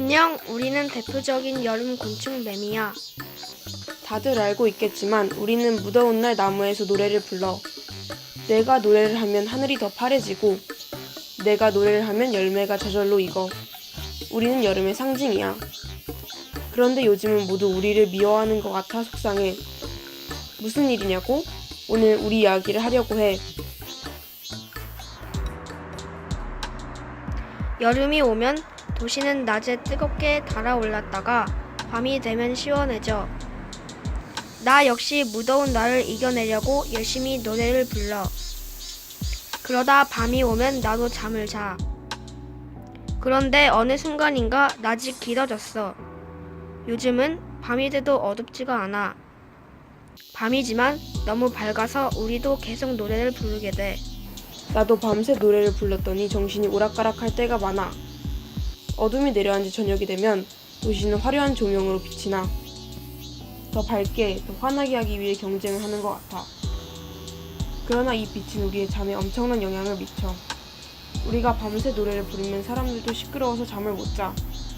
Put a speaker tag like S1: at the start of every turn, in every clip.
S1: 안녕, 우리는 대표적인 여름 곤충 매미야.
S2: 다들 알고 있겠지만 우리는 무더운 날 나무에서 노래를 불러. 내가 노래를 하면 하늘이 더 파래지고 내가 노래를 하면 열매가 저절로 익어. 우리는 여름의 상징이야. 그런데 요즘은 모두 우리를 미워하는 것 같아 속상해. 무슨 일이냐고? 오늘 우리 이야기를 하려고 해.
S1: 여름이 오면 도시는 낮에 뜨겁게 달아올랐다가 밤이 되면 시원해져. 나 역시 무더운 날을 이겨내려고 열심히 노래를 불러. 그러다 밤이 오면 나도 잠을 자. 그런데 어느 순간인가 낮이 길어졌어. 요즘은 밤이 돼도 어둡지가 않아. 밤이지만 너무 밝아서 우리도 계속 노래를 부르게 돼.
S2: 나도 밤새 노래를 불렀더니 정신이 오락가락할 때가 많아. 어둠이 내려앉은 저녁이 되면 도시는 화려한 조명으로 빛이 나. 더 밝게, 더 환하게 하기 위해 경쟁을 하는 것 같아. 그러나 이 빛은 우리의 잠에 엄청난 영향을 미쳐. 우리가 밤새 노래를 부르면 사람들도 시끄러워서 잠을 못 자.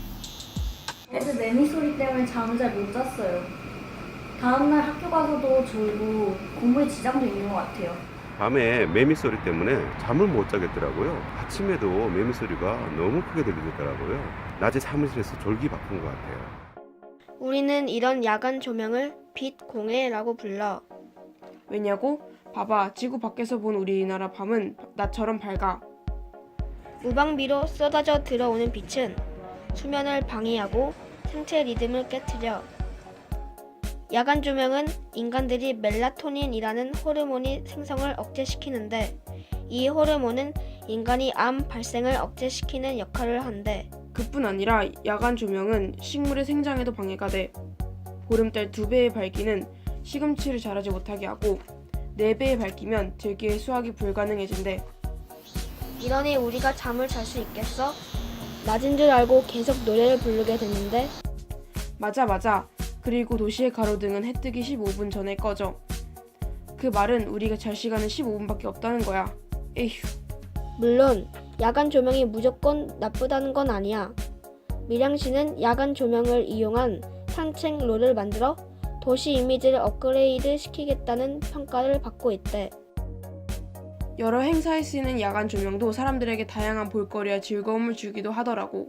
S3: 애들 매미 소리 때문에 잠을 잘 못 잤어요. 다음날 학교 가서도 졸고 공부에 지장도 있는 것 같아요.
S4: 밤에 매미 소리 때문에 잠을 못 자겠더라고요. 아침에도 매미 소리가 너무 크게 들리더라고요. 낮에 사무실에서 졸기 바쁜 것 같아요.
S1: 우리는 이런 야간 조명을 빛공해라고 불러.
S2: 왜냐고? 봐봐, 지구 밖에서 본 우리나라 밤은 낮처럼 밝아.
S1: 무방비로 쏟아져 들어오는 빛은 수면을 방해하고 생체 리듬을 깨트려. 야간 조명은 인간들이 멜라토닌이라는 호르몬이 생성을 억제시키는데 이 호르몬은 인간이 암 발생을 억제시키는 역할을 한대.
S2: 그뿐 아니라 야간 조명은 식물의 생장에도 방해가 돼. 보름달 2배의 밝기는 시금치를 자라지 못하게 하고 4배의 밝기면 들기의 수확이 불가능해진대.
S1: 이러니 우리가 잠을 잘 수 있겠어? 낮은 줄 알고 계속 노래를 부르게 됐는데.
S2: 맞아. 그리고 도시의 가로등은 해 뜨기 15분 전에 꺼져. 그 말은 우리가 잘 시간은 15분밖에 없다는 거야. 에휴.
S1: 물론 야간 조명이 무조건 나쁘다는 건 아니야. 밀양시는 야간 조명을 이용한 산책로를 만들어 도시 이미지를 업그레이드 시키겠다는 평가를 받고 있대.
S2: 여러 행사에 쓰이는 야간 조명도 사람들에게 다양한 볼거리와 즐거움을 주기도 하더라고.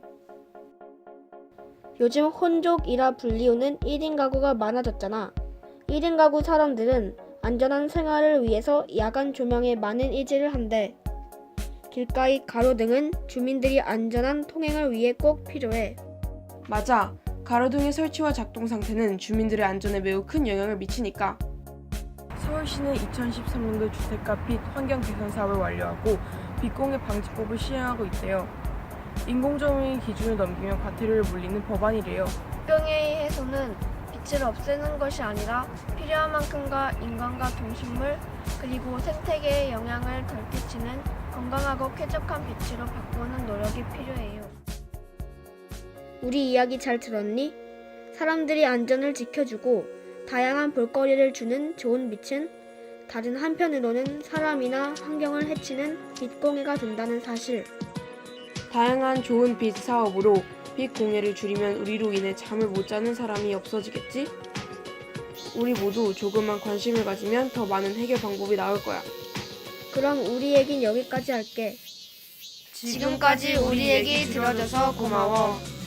S1: 요즘 혼족이라 불리우는 1인 가구가 많아졌잖아. 1인 가구 사람들은 안전한 생활을 위해서 야간 조명에 많은 의지를 한대. 길가의 가로등은 주민들이 안전한 통행을 위해 꼭 필요해.
S2: 맞아. 가로등의 설치와 작동 상태는 주민들의 안전에 매우 큰 영향을 미치니까. 서울시는 2013년도 주택가 빛 환경 개선 사업을 완료하고 빛공해 방지법을 시행하고 있대요. 인공조명의 기준을 넘기면 과태료를 물리는 법안이래요.
S1: 병의 해소는 빛을 없애는 것이 아니라 필요한 만큼과 인간과 동식물 그리고 생태계에 영향을 덜 끼치는 건강하고 쾌적한 빛으로 바꾸는 노력이 필요해요. 우리 이야기 잘 들었니? 사람들이 안전을 지켜주고 다양한 볼거리를 주는 좋은 빛은 다른 한편으로는 사람이나 환경을 해치는 빛공해가 된다는 사실.
S2: 다양한 좋은 빛 사업으로 빛 공해를 줄이면 우리로 인해 잠을 못 자는 사람이 없어지겠지? 우리 모두 조금만 관심을 가지면 더 많은 해결 방법이 나올 거야.
S1: 그럼 우리 얘긴 여기까지 할게. 지금까지 우리 얘기 들어줘서 고마워.